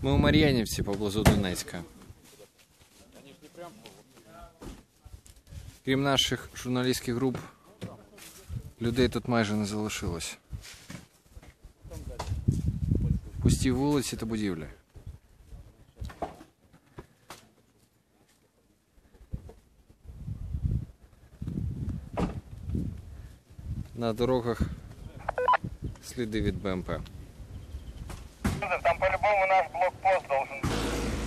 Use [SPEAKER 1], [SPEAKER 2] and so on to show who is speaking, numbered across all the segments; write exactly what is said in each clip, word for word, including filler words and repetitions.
[SPEAKER 1] Ми у Мар'янівці поблизу Донецька. Крім наших журналістських груп, людей тут майже не залишилось. Пусті вулиці та будівлі. На дорогах сліди від БМП.
[SPEAKER 2] Там по-любому наш блокпост должен быть.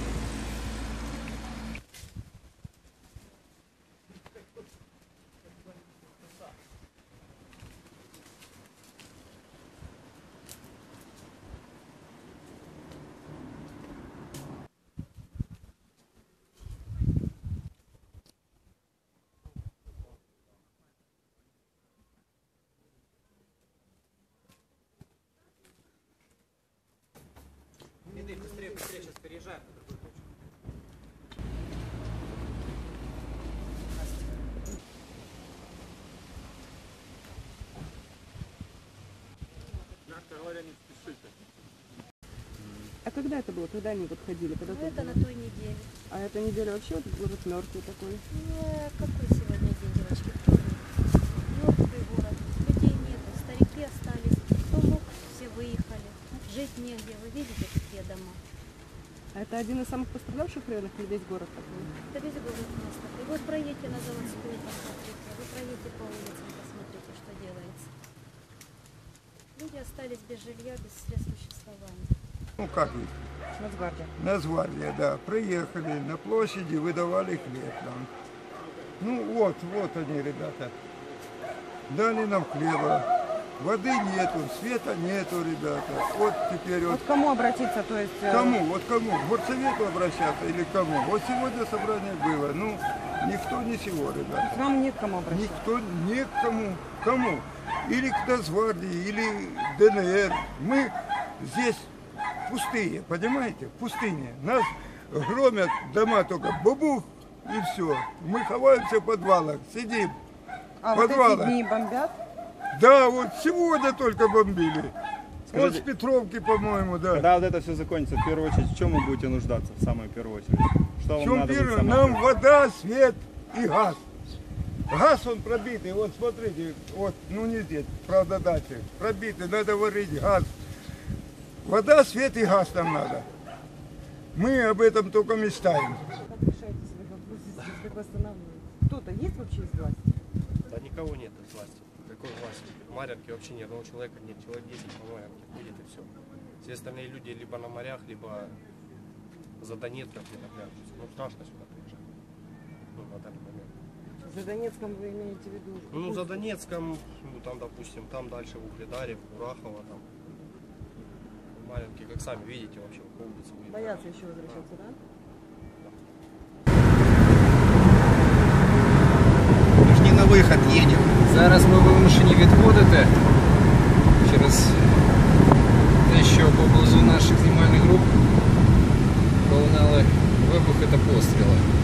[SPEAKER 3] Быстрее, быстрее, сейчас переезжаем на другую точку.
[SPEAKER 4] Мягко говоря, не спешите.
[SPEAKER 5] А когда это было? Когда они вот ходили? Когда
[SPEAKER 6] Ну, это
[SPEAKER 5] было?
[SPEAKER 6] на той неделе.
[SPEAKER 5] А эта неделя вообще вот город мертвый такой?
[SPEAKER 6] Ну, какой сегодня день, девочки? Мертвый город. Людей нету. Старики остались. Кто мог, все выехали. Жить негде. Вы видите, какие дома?
[SPEAKER 5] А это один из самых пострадавших районов или весь город такой?
[SPEAKER 6] Это весь город у нас такой. Вы проедете на заводскую, посмотрите. Вы проедете по улицам, посмотрите, что делается. Люди остались без жилья, без средств существования.
[SPEAKER 7] Ну как их?
[SPEAKER 5] Нацгвардия.
[SPEAKER 7] Нацгвардия, да. Приехали на площади, выдавали хлеб нам. Ну вот, вот они, ребята. Дали нам хлеба. Воды нету, света нету, ребята. Вот теперь вот.
[SPEAKER 5] Вот к кому обратиться, то есть... э,
[SPEAKER 7] Кому? Вот кому? К горсовету обращаться или к кому? Вот сегодня собрание было. Ну, никто ничего, ребята.
[SPEAKER 5] Вам нет к кому обратиться?
[SPEAKER 7] Никто, не к кому. Кому? Или к Нацгвардии, или ДНР. Мы здесь пустые, понимаете? Пустыня. Нас громят дома только бубух и все. Мы ховаемся в подвалах, сидим.
[SPEAKER 5] А
[SPEAKER 7] в
[SPEAKER 5] вот эти
[SPEAKER 7] подвалах.
[SPEAKER 5] дни бомбят?
[SPEAKER 7] Да, вот сегодня только бомбили.
[SPEAKER 4] Скажите,
[SPEAKER 7] вот с Петровки, по-моему, да.
[SPEAKER 4] Когда вот это все закончится, в первую очередь, в чем вы будете нуждаться в самую первую очередь? Что
[SPEAKER 7] В
[SPEAKER 4] вам
[SPEAKER 7] чем
[SPEAKER 4] надо будет
[SPEAKER 7] первое?
[SPEAKER 4] самое
[SPEAKER 7] Нам
[SPEAKER 4] первое?
[SPEAKER 7] вода, свет и газ. Газ он пробитый, вот смотрите, вот, ну не здесь, правда дальше, пробитый, надо варить газ. Вода, свет и газ нам надо. Мы об этом только мечтаем.
[SPEAKER 5] Как решаете свои вопросы здесь? Как восстанавливаете? Кто-то есть вообще из власти?
[SPEAKER 3] Да никого нет из власти. Какой власти? Марьянки вообще ни одного человека нет. Человек десять по Марьянке ходит и все. Все остальные люди либо на морях, либо за Донецком где-то прячутся. Ну страшно сюда приезжать. Ну, на данный момент.
[SPEAKER 5] За Донецком вы имеете в виду?
[SPEAKER 3] Ну, за Донецком, ну, там, допустим, там дальше в Угледаре, в Курахово, там. Марьянки, как сами видите, вообще по улице.
[SPEAKER 5] Боятся еще возвращаться, да?
[SPEAKER 1] Ми ж не на вихід їдемо. Зараз ми вимушені відходити через те, що поблизу наших знімальних груп пролунали вибухи та постріли.